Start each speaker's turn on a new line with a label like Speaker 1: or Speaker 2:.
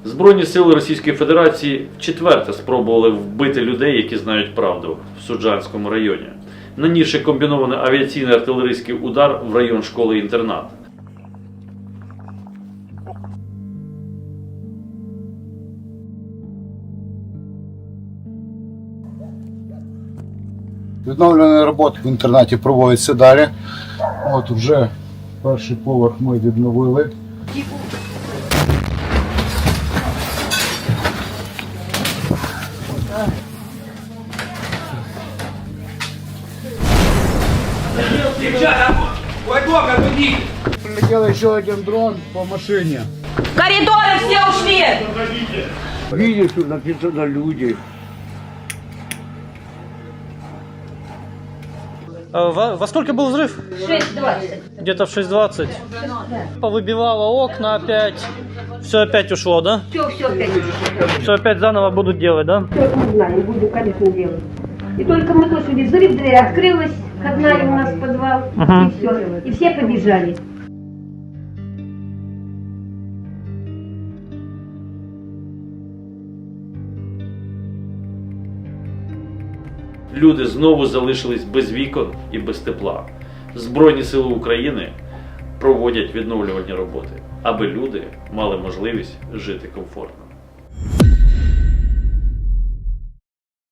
Speaker 1: Збройні сили Російської Федерації вчетверте спробували вбити людей, які знають правду, в Суджанському районі, нанісши комбінований авіаційний артилерійський удар в район школи-інтернат.
Speaker 2: Відновлені роботи в інтернаті проводяться далі. От вже перший поверх ми відновили. Прилетел еще один дрон по машине.
Speaker 3: Коридоры все ушли!
Speaker 2: Видишь, тут написано люди.
Speaker 4: Во сколько был взрыв?
Speaker 3: 6:20.
Speaker 4: Где-то в 6:20. Повыбивало окна опять. Все опять ушло, да?
Speaker 3: Все опять ушло.
Speaker 4: Все опять заново будут делать, да?
Speaker 3: Только мы знаем, будем, конечно, делать. И только мы слышали взрыв, дверь открылась, входная у нас в подвал,
Speaker 4: Ага.
Speaker 3: и все. И все побежали.
Speaker 1: Люди знову залишились без вікон і без тепла. Збройні сили України проводять відновлювальні роботи, аби люди мали можливість жити комфортно.